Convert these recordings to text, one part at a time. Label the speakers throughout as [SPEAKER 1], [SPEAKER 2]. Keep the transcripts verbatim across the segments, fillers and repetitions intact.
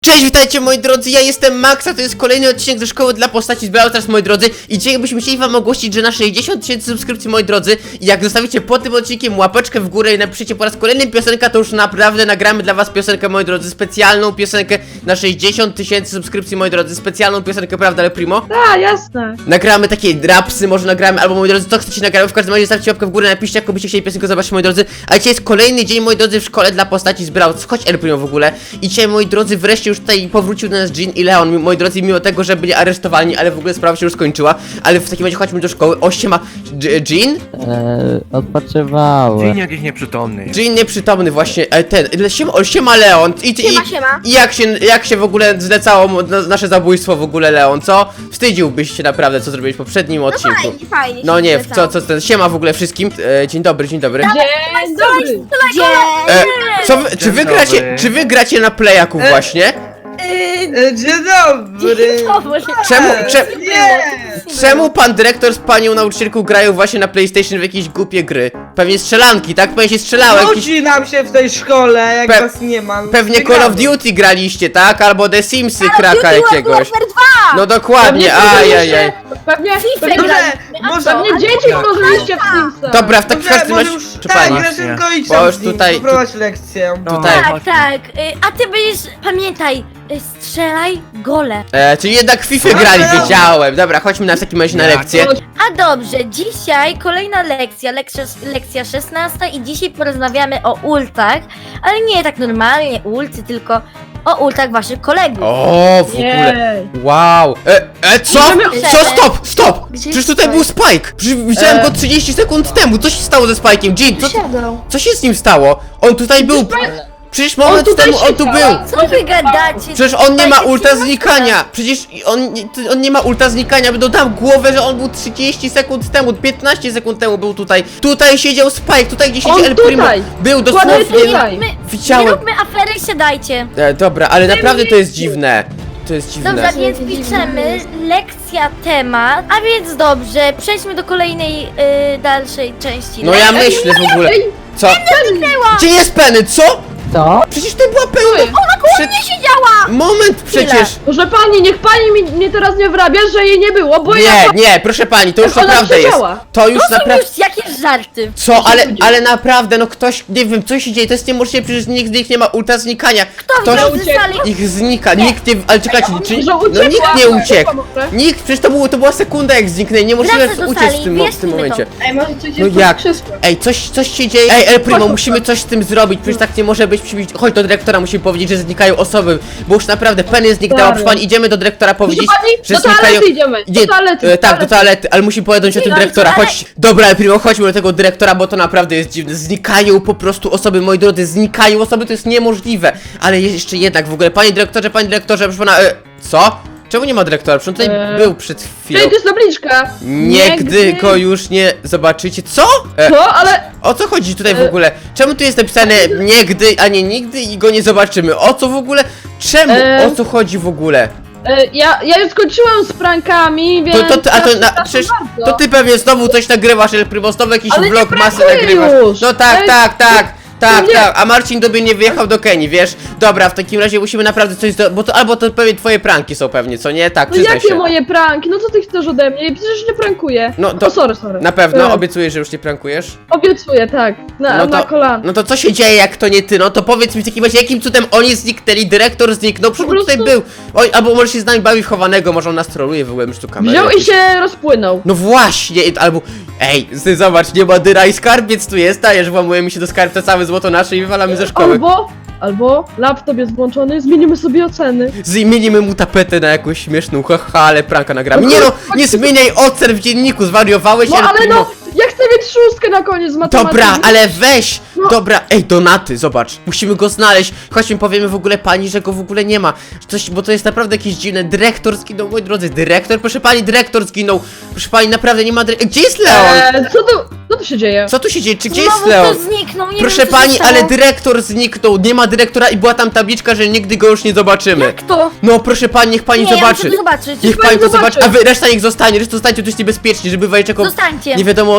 [SPEAKER 1] Cześć, witajcie moi drodzy, ja jestem Max, a to jest kolejny odcinek ze szkoły dla postaci z Brawl Stars, moi drodzy. I dzisiaj byśmy chcieli wam ogłosić, że na sześćdziesiąt tysięcy subskrypcji, moi drodzy, i jak zostawicie pod tym odcinkiem łapeczkę w górę i napiszecie po raz kolejny piosenkę, to już naprawdę nagramy dla was piosenkę, moi drodzy, specjalną piosenkę na sześćdziesiąt tysięcy subskrypcji, moi drodzy, specjalną piosenkę, prawda, Ale Primo?
[SPEAKER 2] Tak, jasne.
[SPEAKER 1] Nagramy takie rapsy, może nagramy, albo moi drodzy, co chcecie nagramy, w każdym razie zostawcie łapkę w górę, napiszcie, jak byście chcieli piosenkę zobaczyć, moi drodzy. A dzisiaj jest kolejny dzień, moi drodzy, w szkole dla postaci z Brawl Stars, chodź El Primo w ogóle. I dzisiaj, moi drodzy, wreszcie już tutaj powrócił do nas Jean i Leon, moi drodzy, mimo tego, że byli aresztowani, ale w ogóle sprawa się już skończyła. Ale w takim razie chodźmy do szkoły. O, siema, Dż- Jean?
[SPEAKER 3] Eee, odpoczywałem.
[SPEAKER 4] Dzień jakiś nieprzytomny.
[SPEAKER 1] Jean nieprzytomny właśnie, e, ten, le- siema, o, siema Leon. I, i,
[SPEAKER 5] Siema, siema.
[SPEAKER 1] I jak się, jak się w ogóle zlecało mu- na, nasze zabójstwo w ogóle, Leon, co? Wstydziłbyś się naprawdę, co zrobiłeś w poprzednim odcinku.
[SPEAKER 5] Fajnie, fajnie.
[SPEAKER 1] No
[SPEAKER 5] się
[SPEAKER 1] nie, co,
[SPEAKER 5] zlecało.
[SPEAKER 1] co, co, siema w ogóle wszystkim. E, dzień dobry, dzień dobry.
[SPEAKER 2] Dzień dobry.
[SPEAKER 5] Gdzie?
[SPEAKER 1] E, co wy, czy
[SPEAKER 4] Dzień
[SPEAKER 1] wy
[SPEAKER 4] dobry.
[SPEAKER 1] gracie, czy wy gracie na playaku
[SPEAKER 2] E,
[SPEAKER 1] właśnie?
[SPEAKER 2] E, Dzień dobry.
[SPEAKER 1] Czemu, cze,
[SPEAKER 2] Nie.
[SPEAKER 1] czemu pan dyrektor z panią nauczycielką grają właśnie na PlayStation w jakieś głupie gry? Pewnie strzelanki, tak? Pewnie się strzelało jakieś...
[SPEAKER 2] Nudzi nam się w tej szkole, jak
[SPEAKER 1] Pe-
[SPEAKER 2] was nie ma.
[SPEAKER 1] Pewnie Call of Duty graliście, tak? Albo The Simsy kraka jakiegoś. No dokładnie,
[SPEAKER 2] Pewnie
[SPEAKER 1] ajajaj.
[SPEAKER 2] Pewnie,
[SPEAKER 5] FIFA
[SPEAKER 2] dobrze,
[SPEAKER 5] graliśmy.
[SPEAKER 2] może
[SPEAKER 5] A co?
[SPEAKER 2] pewnie dzieci włożyliście w Simsa.
[SPEAKER 1] Dobra, w takim
[SPEAKER 2] Dobrze,
[SPEAKER 1] każdym
[SPEAKER 2] może
[SPEAKER 1] razie...
[SPEAKER 2] już,
[SPEAKER 1] Czy
[SPEAKER 2] tak,
[SPEAKER 1] pani?
[SPEAKER 2] Grażynko, idź
[SPEAKER 1] Bo
[SPEAKER 2] tam
[SPEAKER 1] już
[SPEAKER 2] z nim,
[SPEAKER 1] tutaj-
[SPEAKER 2] poprowadź lekcję.
[SPEAKER 1] Tutaj.
[SPEAKER 5] Tak, tak. Y, A ty będziesz, pamiętaj, y, strzelaj gole.
[SPEAKER 1] E, czyli jednak w FIFA
[SPEAKER 2] No,
[SPEAKER 1] grali,
[SPEAKER 2] no.
[SPEAKER 1] wiedziałem. Dobra, chodźmy na w takim razie na
[SPEAKER 4] Ja,
[SPEAKER 1] lekcję.
[SPEAKER 5] A dobrze, dzisiaj kolejna lekcja, lekcja, lekcja szesnasta i dzisiaj porozmawiamy o ultach, ale nie tak normalnie ulty, tylko o ultach waszych kolegów.
[SPEAKER 1] O, w ogóle. Wow. E, e, co? Co? Stop, stop!
[SPEAKER 5] Gdzie
[SPEAKER 1] Przecież
[SPEAKER 5] jest
[SPEAKER 1] tutaj
[SPEAKER 5] Spike?
[SPEAKER 1] był Spike! Przecież widziałem
[SPEAKER 2] E.
[SPEAKER 1] go trzydzieści sekund temu. Co się stało ze Spike'iem? Jean, co, co się z nim stało? On tutaj był. Przecież moment
[SPEAKER 2] tutaj
[SPEAKER 1] temu on tu
[SPEAKER 2] siedział.
[SPEAKER 1] był.
[SPEAKER 5] Co wy gadacie?
[SPEAKER 1] Przecież on nie ma
[SPEAKER 5] Dajcie
[SPEAKER 1] ulta
[SPEAKER 5] przyjemność.
[SPEAKER 1] znikania! Przecież on, nie- on nie ma ulta znikania, by dodam głowę, że on był trzydzieści sekund temu, piętnaście sekund temu był tutaj. Tutaj siedział Spike, tutaj gdzie
[SPEAKER 2] On
[SPEAKER 1] siedzi El Primo.
[SPEAKER 2] tutaj.
[SPEAKER 1] Był
[SPEAKER 2] Dokładnie
[SPEAKER 1] dosłownie.
[SPEAKER 2] tutaj.
[SPEAKER 5] My,
[SPEAKER 1] Widziałem.
[SPEAKER 5] nie róbmy afery, siadajcie.
[SPEAKER 1] E, dobra, ale naprawdę to jest dziwne. To jest dziwne.
[SPEAKER 5] Dobrze, więc piszemy lekcja temat, a więc dobrze, przejdźmy do kolejnej y, dalszej części.
[SPEAKER 1] No ja
[SPEAKER 5] lekcji.
[SPEAKER 1] myślę w ogóle. Co?
[SPEAKER 5] Zniknęła!
[SPEAKER 1] Gdzie jest Penny? Co?
[SPEAKER 3] Co?
[SPEAKER 1] Przecież to była Penny.
[SPEAKER 5] Ona koło
[SPEAKER 1] Prze-
[SPEAKER 5] mnie siedziała!
[SPEAKER 1] Moment przecież.
[SPEAKER 2] Proszę pani, niech pani mi, mnie teraz nie wrabia, że jej nie było, bo ja...
[SPEAKER 1] Nie, nie, proszę pani, to już
[SPEAKER 2] Ona
[SPEAKER 1] naprawdę jest.
[SPEAKER 2] siedziała.
[SPEAKER 1] To już
[SPEAKER 5] To są
[SPEAKER 1] naprawdę.
[SPEAKER 5] już jakieś żarty.
[SPEAKER 1] Co, ale, ale naprawdę, no ktoś, nie wiem, co się dzieje, to jest niemożliwe, przecież nikt z nich nie ma ulta znikania.
[SPEAKER 5] Kto
[SPEAKER 1] Ktoś
[SPEAKER 5] widział ze sali?
[SPEAKER 1] ich znika, nikt nie, ale czekajcie, czy,
[SPEAKER 2] Może
[SPEAKER 1] no
[SPEAKER 2] uciekła.
[SPEAKER 1] nikt nie uciekł.
[SPEAKER 2] Może.
[SPEAKER 1] Nikt, przecież to, było, to była sekunda jak zniknęli, niemożliwe
[SPEAKER 5] Wracaj do
[SPEAKER 1] uciec w
[SPEAKER 5] sali,
[SPEAKER 1] tym, w tym
[SPEAKER 5] wyjaśnijmy
[SPEAKER 1] momencie.
[SPEAKER 2] Ej, może coś
[SPEAKER 1] No
[SPEAKER 2] jest
[SPEAKER 1] jak?
[SPEAKER 2] pod krzesłem.
[SPEAKER 1] Ej, coś, coś się dzieje. Ej, El Primo,
[SPEAKER 2] Chodź,
[SPEAKER 1] musimy
[SPEAKER 2] chodź.
[SPEAKER 1] coś z tym zrobić, przecież tak nie może być. Musimy, chodź do dyrektora, musimy powiedzieć, że znikają osoby, bo już naprawdę Penny zniknęła,
[SPEAKER 2] Stary.
[SPEAKER 1] proszę pani, idziemy do dyrektora powiedzieć,
[SPEAKER 2] Proszę pani,
[SPEAKER 1] że
[SPEAKER 2] do
[SPEAKER 1] znikają...
[SPEAKER 2] toalety idziemy, do
[SPEAKER 1] Nie,
[SPEAKER 2] toalety,
[SPEAKER 1] e,
[SPEAKER 2] do
[SPEAKER 1] tak, do
[SPEAKER 2] toalety.
[SPEAKER 1] toalety, ale musimy powiedzieć o tym
[SPEAKER 5] Do
[SPEAKER 1] dyrektora,
[SPEAKER 5] toalety.
[SPEAKER 1] chodź. Dobra, El Primo, chodźmy do tego dyrektora, bo to naprawdę jest dziwne. Znikają po prostu osoby, moi drodzy, znikają osoby, to jest niemożliwe. Ale jest jeszcze jednak w ogóle, panie dyrektorze, panie dyrektorze, proszę pana, e, co? Czemu nie ma dyrektora? Przecież on tutaj
[SPEAKER 2] Eee.
[SPEAKER 1] był przed chwilą.
[SPEAKER 2] Ej, to jest tabliczka.
[SPEAKER 1] Nigdy go już nie zobaczycie. Co? E,
[SPEAKER 2] Co? Ale...
[SPEAKER 1] o co chodzi tutaj w
[SPEAKER 2] E.
[SPEAKER 1] ogóle? Czemu tu jest napisane nigdy, a nie nigdy i go nie zobaczymy? O co w ogóle? Czemu?
[SPEAKER 2] E.
[SPEAKER 1] O co chodzi w ogóle?
[SPEAKER 2] E, ja, ja już skończyłam z prankami, więc...
[SPEAKER 1] To, to, a to,
[SPEAKER 2] ja
[SPEAKER 1] na,
[SPEAKER 2] przepraszam
[SPEAKER 1] przecież,
[SPEAKER 2] bardzo.
[SPEAKER 1] to ty pewnie znowu coś nagrywasz, El Primo, znowu jakiś
[SPEAKER 2] Ale nie
[SPEAKER 1] vlog masy
[SPEAKER 2] pracuję
[SPEAKER 1] nagrywasz.
[SPEAKER 2] już.
[SPEAKER 1] No tak,
[SPEAKER 2] Ej,
[SPEAKER 1] tak, tak. Tak,
[SPEAKER 2] nie.
[SPEAKER 1] tak, a Marcin dobie nie wyjechał do Kenii, wiesz? Dobra, w takim razie musimy naprawdę coś do... Bo to albo to pewnie twoje pranki są pewnie, co nie? Tak,
[SPEAKER 2] No
[SPEAKER 1] przyznaj
[SPEAKER 2] jakie
[SPEAKER 1] się.
[SPEAKER 2] moje pranki? No co ty chcesz ode mnie? Przecież nie prankuję.
[SPEAKER 1] No to-
[SPEAKER 2] O, sorry, sorry.
[SPEAKER 1] Na pewno,
[SPEAKER 2] E,
[SPEAKER 1] obiecujesz, że już nie prankujesz?
[SPEAKER 2] Obiecuję, tak. Na,
[SPEAKER 1] No
[SPEAKER 2] na
[SPEAKER 1] to,
[SPEAKER 2] kolana.
[SPEAKER 1] no to co się dzieje, jak to nie ty? No to powiedz mi w takim razie, jakim cudem oni zniknęli, dyrektor zniknął, przecież
[SPEAKER 2] Po
[SPEAKER 1] on tutaj
[SPEAKER 2] prostu-
[SPEAKER 1] był. Oj, albo może się z nami bawi w chowanego, może on nas troluje, w ogóle już tu kamerę.
[SPEAKER 2] Wziął i
[SPEAKER 1] jakieś-
[SPEAKER 2] się rozpłynął.
[SPEAKER 1] No właśnie, i- albo... Ej, ty zobacz, nie ma dyra i skarbiec tu jest, dajesz, włamujemy się do skarbca, całe złoto nasze i wywalamy ze szkoły.
[SPEAKER 2] Albo, albo laptop jest włączony, zmienimy sobie oceny.
[SPEAKER 1] Zmienimy mu tapetę na jakąś śmieszną, haha, ale pranka nagramy. Nie no, nie zmieniaj ocen w dzienniku, zwariowałeś,
[SPEAKER 2] No
[SPEAKER 1] El
[SPEAKER 2] ale
[SPEAKER 1] Primo.
[SPEAKER 2] no, ja chcę mieć szóstkę na koniec z matematyki.
[SPEAKER 1] Dobra, ale weź!
[SPEAKER 2] No.
[SPEAKER 1] Dobra, ej, Donaty, zobacz, musimy go znaleźć. Chodźmy, powiemy w ogóle pani, że go w ogóle nie ma. Coś, bo to jest naprawdę jakieś dziwne. Dyrektor zginął, moi drodzy, dyrektor? Proszę pani, dyrektor zginął. Proszę pani, naprawdę nie ma dyrektora. Gdzie jest Leon?
[SPEAKER 2] Eee, co tu, co tu się dzieje?
[SPEAKER 1] Co tu się dzieje? Czy gdzie jest
[SPEAKER 5] Znowu
[SPEAKER 1] Leon?
[SPEAKER 5] ktoś zniknął, nie
[SPEAKER 1] Proszę
[SPEAKER 5] wiem, co się
[SPEAKER 1] pani,
[SPEAKER 5] stało.
[SPEAKER 1] ale dyrektor zniknął, nie ma dyrektora i była tam tabliczka, że nigdy go już nie zobaczymy.
[SPEAKER 5] Jak to?
[SPEAKER 1] No proszę pani, niech pani
[SPEAKER 5] Nie, ja
[SPEAKER 1] zobaczy.
[SPEAKER 5] muszę to zobaczyć.
[SPEAKER 1] Niech pani
[SPEAKER 2] pani
[SPEAKER 1] to zobaczy,
[SPEAKER 2] zobaczy.
[SPEAKER 1] a wy reszta niech zostanie, reszta zostańcie, to jest niebezpiecznie, żeby wajeczeko...
[SPEAKER 5] Zostańcie.
[SPEAKER 1] Nie wiadomo o co chodzi tutaj.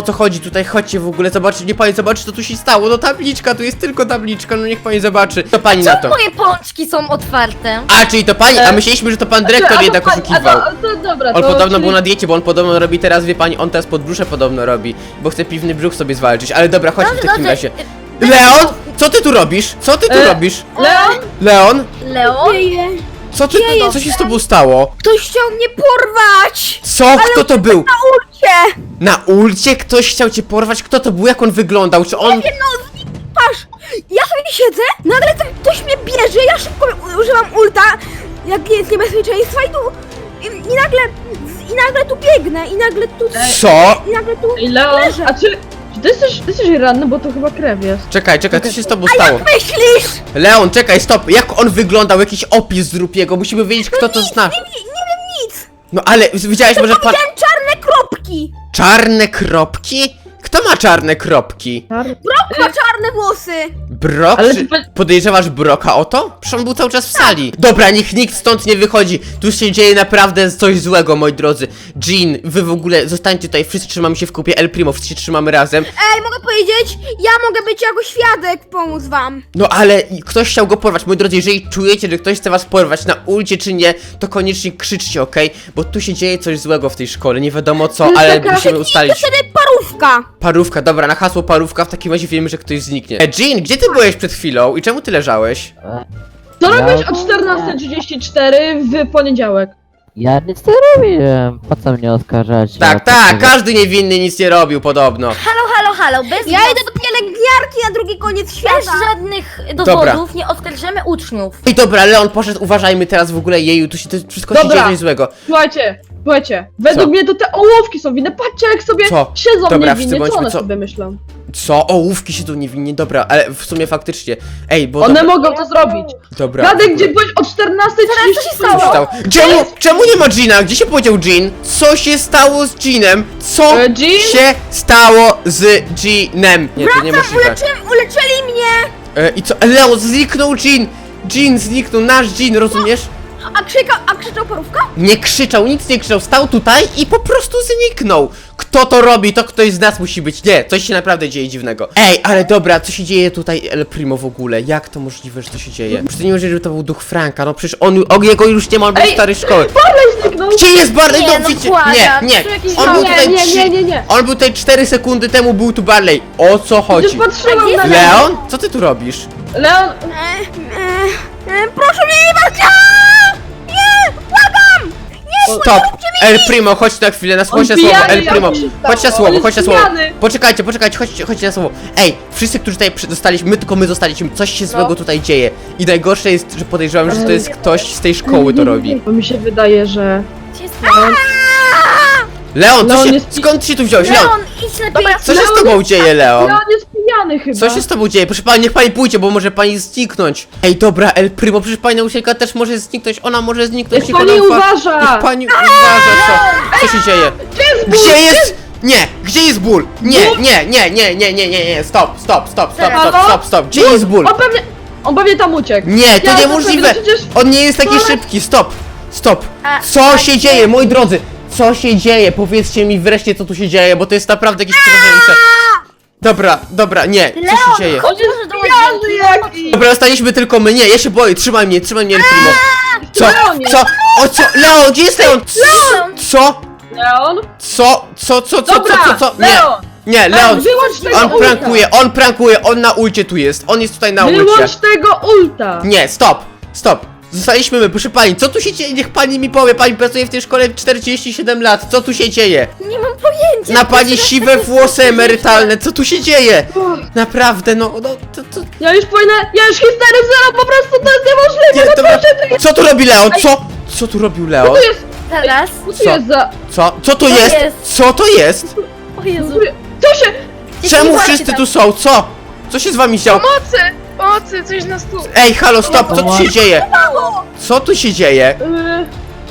[SPEAKER 1] tutaj, chodźcie w ogóle, zobaczcie, nie pani zobaczy, co tu się stało. No tabliczka, tu jest tylko tabliczka, no niech pani zobaczy. To pani na to.
[SPEAKER 5] Moje pączki są otwarte.
[SPEAKER 1] A, czyli to pani, a myśleliśmy, że to pan dyrektor
[SPEAKER 2] A to
[SPEAKER 1] jednak
[SPEAKER 2] pani-
[SPEAKER 1] oszukiwał.
[SPEAKER 2] A to, a to dobra,
[SPEAKER 1] On
[SPEAKER 2] to,
[SPEAKER 1] podobno
[SPEAKER 2] czyli-
[SPEAKER 1] był na diecie, bo on podobno robi teraz, wie pani, on teraz podbrzusze podobno robi, bo chce piwny brzuch sobie zwalczyć, ale dobra, chodź w
[SPEAKER 5] Dobrze,
[SPEAKER 1] takim
[SPEAKER 5] dobrze.
[SPEAKER 1] razie. Leon, co ty tu robisz? Co ty tu
[SPEAKER 2] E,
[SPEAKER 1] robisz?
[SPEAKER 2] Leon?
[SPEAKER 1] Leon,
[SPEAKER 5] Leon?
[SPEAKER 1] co ty, co się z tobą stało?
[SPEAKER 4] Ktoś chciał mnie porwać!
[SPEAKER 1] Co? Kto to był?
[SPEAKER 4] Cię!
[SPEAKER 1] Na ulcie ktoś chciał cię porwać? Kto to był? Jak on wyglądał? Czy on...
[SPEAKER 4] Patrz! Ja sobie siedzę, nagle tak ktoś mnie bierze, ja szybko używam ulta, jak jest niebezpieczeństwa i tu... I, i nagle... I nagle tu biegnę, i nagle tu...
[SPEAKER 1] Co?
[SPEAKER 4] I nagle tu...
[SPEAKER 2] Ej, Leon, a czy... Czy ty jesteś, ty jesteś ranny, bo to chyba krew jest.
[SPEAKER 1] Czekaj, czekaj, co się z tobą stało?
[SPEAKER 4] Myślisz?
[SPEAKER 1] Leon, czekaj, stop! Jak on wyglądał? Jakiś opis zrób jego, musimy wiedzieć, kto to zna.
[SPEAKER 4] Nie, nie wiem nic!
[SPEAKER 1] No ale widziałeś może pan...
[SPEAKER 4] Widziałem czarne kropki!
[SPEAKER 1] Czarne kropki? Kto ma czarne kropki?
[SPEAKER 4] Ma czarne włosy!
[SPEAKER 1] Brok?
[SPEAKER 2] Ale
[SPEAKER 1] Czy
[SPEAKER 2] ty-
[SPEAKER 1] podejrzewasz Broka o to? Przecież on był cały czas w sali. Dobra, niech nikt stąd nie wychodzi. Tu się dzieje naprawdę coś złego, moi drodzy. Jean, wy w ogóle zostańcie tutaj, wszyscy trzymamy się w kupie El Primo, wszyscy się trzymamy razem.
[SPEAKER 4] Ej, mogę powiedzieć? Ja mogę być jako świadek, pomóc wam!
[SPEAKER 1] No ale ktoś chciał go porwać, moi drodzy, jeżeli czujecie, że ktoś chce was porwać na ulcie czy nie, to koniecznie krzyczcie, okej? Bo tu się dzieje coś złego w tej szkole, nie wiadomo co,
[SPEAKER 2] jest
[SPEAKER 1] ale
[SPEAKER 2] taka-
[SPEAKER 1] musimy
[SPEAKER 4] To
[SPEAKER 1] ustalić.
[SPEAKER 4] wtedy parówka!
[SPEAKER 1] Parówka, dobra, na hasło parówka, w takim razie wiemy, że ktoś zniknie. E, Jean, gdzie ty byłeś przed chwilą i czemu ty leżałeś?
[SPEAKER 2] Co
[SPEAKER 3] Ja
[SPEAKER 2] robisz o
[SPEAKER 3] ogólnie-
[SPEAKER 2] czternasta trzydzieści cztery w poniedziałek?
[SPEAKER 3] Ja nic nie robiłem. Po co mnie oskarżać?
[SPEAKER 1] Tak, tak, każdy niewinny nic nie robił podobno.
[SPEAKER 5] Halo, halo, halo, bez,
[SPEAKER 4] Ja idę do pielęgniarki na drugi koniec
[SPEAKER 5] bez
[SPEAKER 4] świata!
[SPEAKER 5] żadnych dowodów
[SPEAKER 1] Dobra.
[SPEAKER 5] nie oskarżymy uczniów.
[SPEAKER 1] I dobra, Leon poszedł, uważajmy teraz w ogóle jeju, tu się to wszystko się
[SPEAKER 2] Dobra.
[SPEAKER 1] dzieje coś złego.
[SPEAKER 2] Słuchajcie, słuchajcie, według
[SPEAKER 1] Co?
[SPEAKER 2] mnie to te ołówki są winne, patrzcie jak sobie
[SPEAKER 1] Co?
[SPEAKER 2] siedzą
[SPEAKER 1] Dobra, wszyscy
[SPEAKER 2] niewinnie, co
[SPEAKER 1] bądźmy,
[SPEAKER 2] one
[SPEAKER 1] co?
[SPEAKER 2] sobie myślą?
[SPEAKER 1] Co? Ołówki się tu niewinnie, dobra, ale w sumie faktycznie. Ej, bo
[SPEAKER 2] One
[SPEAKER 1] dobra,
[SPEAKER 2] mogą to zrobić.
[SPEAKER 1] dobra.
[SPEAKER 2] Radek,
[SPEAKER 1] w
[SPEAKER 2] gdzie
[SPEAKER 1] ogóle.
[SPEAKER 2] byłeś o czternasta trzydzieści
[SPEAKER 5] Co się stało?
[SPEAKER 1] Stało. Czemu, czemu nie ma Gina? Gdzie się podział Jean? Co się stało z Jeanem? Co
[SPEAKER 2] E, Jean?
[SPEAKER 1] się stało z Jeanem? Nie, to niemożliwe.
[SPEAKER 4] Uleczy, uleczyli mnie!
[SPEAKER 1] E, I co? Leon, zniknął Jean! Jean zniknął, nasz Jean, rozumiesz?
[SPEAKER 4] A krzyka, a krzyczał parówka?
[SPEAKER 1] Nie krzyczał, nic nie krzyczał, stał tutaj i po prostu zniknął. Kto to robi, to ktoś z nas musi być. Nie, coś się naprawdę dzieje dziwnego. Ej, ale dobra, co się dzieje tutaj El Primo w ogóle? Jak to możliwe, że to się dzieje? Przecież to nie możliwe, że to był duch Franka, no przecież on, on jego już nie ma, on był
[SPEAKER 2] Ej,
[SPEAKER 1] starej szkoły.
[SPEAKER 2] Zniknął.
[SPEAKER 1] Gdzie jest Barley?
[SPEAKER 5] Nie,
[SPEAKER 1] No,
[SPEAKER 5] no
[SPEAKER 1] widzicie-
[SPEAKER 5] błagam,
[SPEAKER 1] nie, nie,
[SPEAKER 5] tu jakiś
[SPEAKER 1] on był
[SPEAKER 2] Nie,
[SPEAKER 1] tutaj
[SPEAKER 2] nie,
[SPEAKER 1] trzy-
[SPEAKER 2] nie, nie, nie.
[SPEAKER 1] On był tutaj cztery sekundy temu, był tu Barley. O co chodzi?
[SPEAKER 2] Przecież patrzyłam
[SPEAKER 5] A
[SPEAKER 2] na
[SPEAKER 5] gdzie
[SPEAKER 1] Leon? Co ty tu robisz?
[SPEAKER 2] Leon,
[SPEAKER 4] E, e, e, proszę mnie nie brać! Nie! Błagam!
[SPEAKER 1] Stop! El Primo, chodź na chwilę, na chodź na
[SPEAKER 2] On
[SPEAKER 1] słowo,
[SPEAKER 2] pijany,
[SPEAKER 1] El
[SPEAKER 2] jak
[SPEAKER 1] Primo.
[SPEAKER 2] to się stało?
[SPEAKER 1] Chodź na
[SPEAKER 2] On
[SPEAKER 1] słowo,
[SPEAKER 2] jest
[SPEAKER 1] chodź na słowo.
[SPEAKER 2] pijany.
[SPEAKER 1] Poczekajcie, poczekajcie, chodźcie, chodźcie na słowo. Ej, wszyscy, którzy tutaj przy- zostaliśmy, my tylko my zostaliśmy, coś się złego tutaj dzieje. I najgorsze jest, że podejrzewam, że to jest ktoś z tej szkoły to robi.
[SPEAKER 2] Bo mi się wydaje, że...
[SPEAKER 5] Gdzie jest
[SPEAKER 2] Leon,
[SPEAKER 1] Leon, co
[SPEAKER 2] Leon
[SPEAKER 1] się,
[SPEAKER 2] jest pi-
[SPEAKER 1] skąd się tu wziąłeś? Leon,
[SPEAKER 5] Leon, idź lepiej.
[SPEAKER 1] co się z
[SPEAKER 2] Leon
[SPEAKER 1] tobą
[SPEAKER 2] jest-
[SPEAKER 1] dzieje, Leon?
[SPEAKER 2] Leon jest pijany chyba.
[SPEAKER 1] Co się z tobą dzieje? Proszę pani, niech pani pójdzie, bo może pani zniknąć. Ej, dobra, El Primo, przecież pani nauczycielka też może zniknąć, ona może zniknąć.
[SPEAKER 2] Niech
[SPEAKER 1] niech
[SPEAKER 2] pani
[SPEAKER 1] ona uwa-
[SPEAKER 2] uważa.
[SPEAKER 1] Niech pani uważa, co? Co się dzieje? Gdzie jest? Nie, gdzie jest ból? Nie, nie, nie, nie, nie, nie, nie, nie, stop, stop, stop, stop, stop, stop, stop, gdzie jest ból?
[SPEAKER 2] On pewnie... On pewnie tam uciekł.
[SPEAKER 1] Nie, to
[SPEAKER 2] Ja to
[SPEAKER 1] niemożliwe!
[SPEAKER 2] pewnie, przecież-
[SPEAKER 1] On nie jest taki
[SPEAKER 2] Ale-
[SPEAKER 1] szybki, stop! Stop!
[SPEAKER 5] A-
[SPEAKER 1] Co
[SPEAKER 5] a
[SPEAKER 1] się
[SPEAKER 5] gdzie-
[SPEAKER 1] dzieje, moi drodzy? Co się dzieje? Powiedzcie mi wreszcie, co tu się dzieje, bo to jest naprawdę jakieś przerażające. Dobra, dobra, nie, co się
[SPEAKER 5] Leon,
[SPEAKER 1] dzieje?
[SPEAKER 5] chodź może do
[SPEAKER 2] Pijany
[SPEAKER 5] łazienki.
[SPEAKER 2] jaki.
[SPEAKER 1] Dobra, zostaliśmy tylko my, nie, ja się boję, trzymaj mnie, trzymaj mnie, El Primo. Co?
[SPEAKER 2] Leonie.
[SPEAKER 1] Co? O co? Leon, gdzie jest Leon?
[SPEAKER 5] Leon.
[SPEAKER 1] Co?
[SPEAKER 2] Leon?
[SPEAKER 1] Co? Co? Co? Co?
[SPEAKER 2] Dobra,
[SPEAKER 1] Co? Co? Co? Nie,
[SPEAKER 2] Leon.
[SPEAKER 1] nie,
[SPEAKER 2] Leon,
[SPEAKER 1] Leon,
[SPEAKER 2] wyłącz tego
[SPEAKER 1] on
[SPEAKER 2] ulta.
[SPEAKER 1] prankuje, on prankuje, on na ulcie tu jest, on jest tutaj na ulcie.
[SPEAKER 2] Wyłącz tego ulta.
[SPEAKER 1] Nie, stop, stop. Zostaliśmy my, proszę pani, co tu się dzieje? Niech pani mi powie, pani pracuje w tej szkole czterdzieści siedem lat, co tu się dzieje?
[SPEAKER 5] Nie mam pojęcia.
[SPEAKER 1] Na pani
[SPEAKER 5] Teraz
[SPEAKER 1] siwe
[SPEAKER 5] takie
[SPEAKER 1] włosy
[SPEAKER 5] są
[SPEAKER 1] emerytalne, co tu się dzieje?
[SPEAKER 2] Uff,
[SPEAKER 1] Naprawdę, no, no, to, to,
[SPEAKER 2] Ja już powinna... Ja już histeryzowałam, po prostu to jest niemożliwe.
[SPEAKER 1] nie,
[SPEAKER 2] No
[SPEAKER 1] dobra.
[SPEAKER 2] proszę, to jest...
[SPEAKER 1] Co tu robi Leon? Co? Co tu robił
[SPEAKER 2] Co
[SPEAKER 1] Leon?
[SPEAKER 2] to jest?
[SPEAKER 5] Zaraz.
[SPEAKER 2] Co to
[SPEAKER 1] Co?
[SPEAKER 2] jest za...
[SPEAKER 1] Co? Co to
[SPEAKER 5] Co
[SPEAKER 1] jest?
[SPEAKER 5] jest?
[SPEAKER 1] Co to jest?
[SPEAKER 5] O Jezu.
[SPEAKER 2] Co się...
[SPEAKER 1] Czemu
[SPEAKER 5] Jeśli
[SPEAKER 1] wszyscy
[SPEAKER 5] tam-
[SPEAKER 1] tu są? Co? Co się z wami działo?
[SPEAKER 2] Pomocy! Pomocy, coś nas tu...
[SPEAKER 1] Ej, halo, stop, co tu się dzieje?
[SPEAKER 4] Mało!
[SPEAKER 1] Co tu się dzieje?
[SPEAKER 2] Yy,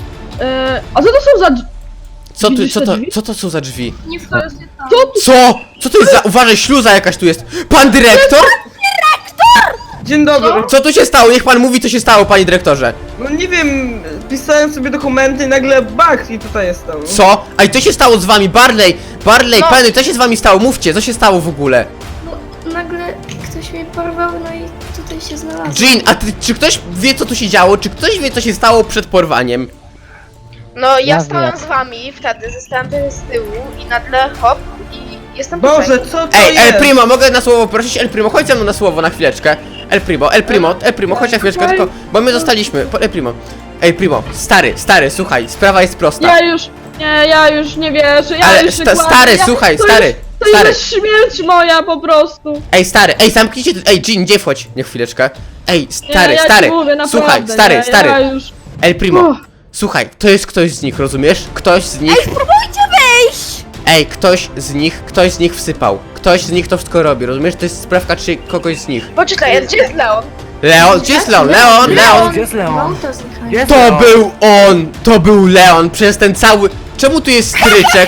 [SPEAKER 2] yy, a co to są za...
[SPEAKER 1] Co tu,
[SPEAKER 2] Widzisz
[SPEAKER 1] co
[SPEAKER 2] te
[SPEAKER 1] to,
[SPEAKER 2] drzwi?
[SPEAKER 1] co to są za drzwi?
[SPEAKER 2] Nie to jest... Co tu...
[SPEAKER 1] Co? Co to jest za... Uważaj, śluza jakaś tu jest. Pan dyrektor?
[SPEAKER 2] Dzień dobry.
[SPEAKER 1] Co tu się stało? Niech pan mówi, co się stało, panie dyrektorze.
[SPEAKER 6] No nie wiem, pisałem sobie dokumenty i nagle bach i tutaj jestem.
[SPEAKER 1] Co? A i co się stało z wami? Barley! Barley,
[SPEAKER 7] No.
[SPEAKER 1] Penny, co się z wami stało? Mówcie, co się stało w ogóle?
[SPEAKER 7] No, nagle ktoś mnie porwał, no i tutaj się znalazłem.
[SPEAKER 1] Jean, a ty, czy ktoś wie, co tu się działo? Czy ktoś wie, co się stało przed porwaniem?
[SPEAKER 8] No ja,
[SPEAKER 3] Ja
[SPEAKER 8] stałem
[SPEAKER 3] wiem.
[SPEAKER 8] z wami wtedy, zostałem tutaj z tyłu i nagle hop i jestem
[SPEAKER 6] Boże,
[SPEAKER 8] tutaj.
[SPEAKER 6] co to
[SPEAKER 1] Ej,
[SPEAKER 6] jest?
[SPEAKER 1] El Primo, mogę na słowo prosić? El Primo, chodź ze mną na słowo na chwileczkę. El Primo, El Primo, El Primo, chodź na chwileczkę, tylko, bo my zostaliśmy. Po- El Primo. Ej, Primo, stary, stary, słuchaj, sprawa jest prosta.
[SPEAKER 2] Ja już, nie, ja już nie wierzę, ja
[SPEAKER 1] Ale
[SPEAKER 2] już
[SPEAKER 1] sta-
[SPEAKER 2] się kładę,
[SPEAKER 1] stary,
[SPEAKER 2] ja,
[SPEAKER 1] słuchaj,
[SPEAKER 2] to
[SPEAKER 1] stary,
[SPEAKER 2] Już, to
[SPEAKER 1] stary.
[SPEAKER 2] jest śmierć moja po prostu.
[SPEAKER 1] Ej, stary, ej, zamknijcie, tu- ej, Jean, nie wchodź, nie chwileczkę. Ej,
[SPEAKER 2] Nie,
[SPEAKER 1] stary,
[SPEAKER 2] ja ci
[SPEAKER 1] stary,
[SPEAKER 2] mówię, naprawdę,
[SPEAKER 1] słuchaj, stary,
[SPEAKER 2] nie,
[SPEAKER 1] stary.
[SPEAKER 2] Ja już...
[SPEAKER 1] El Primo,
[SPEAKER 2] Uff.
[SPEAKER 1] słuchaj, to jest ktoś z nich, rozumiesz? Ktoś z nich,
[SPEAKER 4] Spróbujcie wyjść!
[SPEAKER 1] ej, ktoś z nich, ktoś z nich wsypał. Ktoś z nich to wszystko robi, rozumiesz? To jest sprawka czy kogoś z nich.
[SPEAKER 8] Poczekaj, gdzie jest Leon?
[SPEAKER 1] Leon, gdzie jest Leon? Leon, Leon!
[SPEAKER 3] Gdzie jest
[SPEAKER 7] No
[SPEAKER 3] Leon?
[SPEAKER 7] to zniknął.
[SPEAKER 3] Gdzie jest
[SPEAKER 1] To
[SPEAKER 3] Leon?
[SPEAKER 1] był on! To był Leon przez ten cały... Czemu tu jest stryczek?
[SPEAKER 8] Czekaj,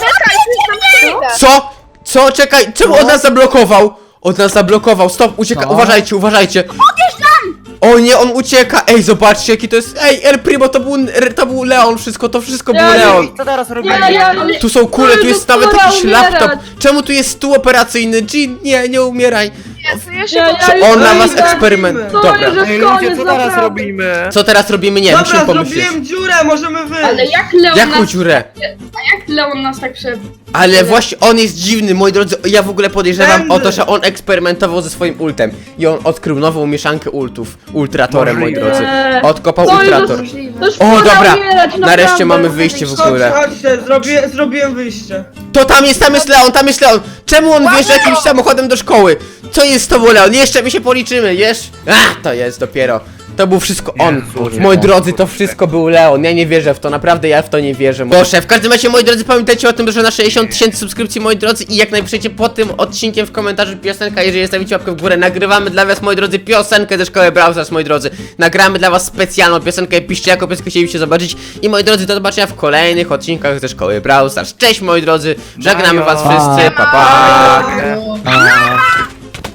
[SPEAKER 8] to jest tam
[SPEAKER 1] Co? Co? Czekaj, czemu on nas zablokował? On nas zablokował, stop, ucieka,
[SPEAKER 3] Co?
[SPEAKER 1] uważajcie, uważajcie. O nie, on ucieka, ej, zobaczcie jaki to jest, ej, El Primo, to był, to był Leon, wszystko, to wszystko był
[SPEAKER 2] Ja nie-
[SPEAKER 1] Leon.
[SPEAKER 3] Co teraz robimy?
[SPEAKER 2] Ja, ja,
[SPEAKER 1] Tu są kule, tu jest nawet
[SPEAKER 2] Pora
[SPEAKER 1] jakiś
[SPEAKER 2] umierać.
[SPEAKER 1] laptop. Czemu tu jest stół operacyjny? Jean, nie, nie umieraj.
[SPEAKER 8] Jezu, ja się
[SPEAKER 2] Ja- ja
[SPEAKER 8] potrzebuję.
[SPEAKER 2] już-
[SPEAKER 1] On na
[SPEAKER 2] Ej,
[SPEAKER 1] was
[SPEAKER 2] tak.
[SPEAKER 1] eksperyment.
[SPEAKER 2] To
[SPEAKER 1] Dobra.
[SPEAKER 2] już jest
[SPEAKER 3] Ej, ludzie,
[SPEAKER 2] koniec,
[SPEAKER 3] co teraz
[SPEAKER 2] naprawdę.
[SPEAKER 3] robimy?
[SPEAKER 1] Co teraz robimy? Nie, musimy
[SPEAKER 6] Dobra,
[SPEAKER 1] pomyśleć.
[SPEAKER 6] zrobiłem dziurę, możemy wyjść.
[SPEAKER 9] Ale jak Leon
[SPEAKER 1] Jaką
[SPEAKER 9] nas,
[SPEAKER 1] dziurę?
[SPEAKER 9] jak Leon nas tak prze...
[SPEAKER 1] Ale właśnie on jest dziwny, moi drodzy, ja w ogóle podejrzewam
[SPEAKER 6] Będę.
[SPEAKER 1] o to, że on eksperymentował ze swoim ultem i on odkrył nową mieszankę ultów, ultratorem, moi
[SPEAKER 3] Możliwe.
[SPEAKER 1] drodzy.
[SPEAKER 2] Nie.
[SPEAKER 1] Odkopał
[SPEAKER 2] To już
[SPEAKER 1] ultrator.
[SPEAKER 9] Możliwe.
[SPEAKER 2] To już
[SPEAKER 1] O,
[SPEAKER 2] pora
[SPEAKER 1] dobra,
[SPEAKER 2] umierać,
[SPEAKER 1] nareszcie
[SPEAKER 2] naprawdę.
[SPEAKER 1] mamy wyjście w
[SPEAKER 6] Chodź,
[SPEAKER 1] ogóle.
[SPEAKER 6] chodźcie, zrobię, zrobiłem wyjście.
[SPEAKER 1] To tam jest, tam jest Leon, tam jest Leon. Czemu on wjeżdża jakimś samochodem do szkoły? Co jest z tobą, Leon? Jeszcze my się policzymy, wiesz? Ach, to jest dopiero. To był wszystko on.
[SPEAKER 3] Jezu,
[SPEAKER 1] Moi
[SPEAKER 3] nie.
[SPEAKER 1] drodzy, to wszystko był Leon. Ja nie wierzę w to, naprawdę ja w to nie wierzę. Proszę, w każdym razie, moi drodzy, pamiętajcie o tym, że na sześćdziesiąt tysięcy subskrypcji, moi drodzy, i jak najpiszecie pod tym odcinkiem w komentarzu piosenka, jeżeli zostawicie łapkę w górę, nagrywamy dla was, moi drodzy, piosenkę ze szkoły Brawl Stars, moi drodzy. Nagramy dla was specjalną piosenkę, piszcie jaką piosenkę chcielibyście zobaczyć. I moi drodzy, do zobaczenia w kolejnych odcinkach ze szkoły Brawl Stars. Cześć, moi drodzy, żegnamy was wszyscy, pa pa.
[SPEAKER 3] A.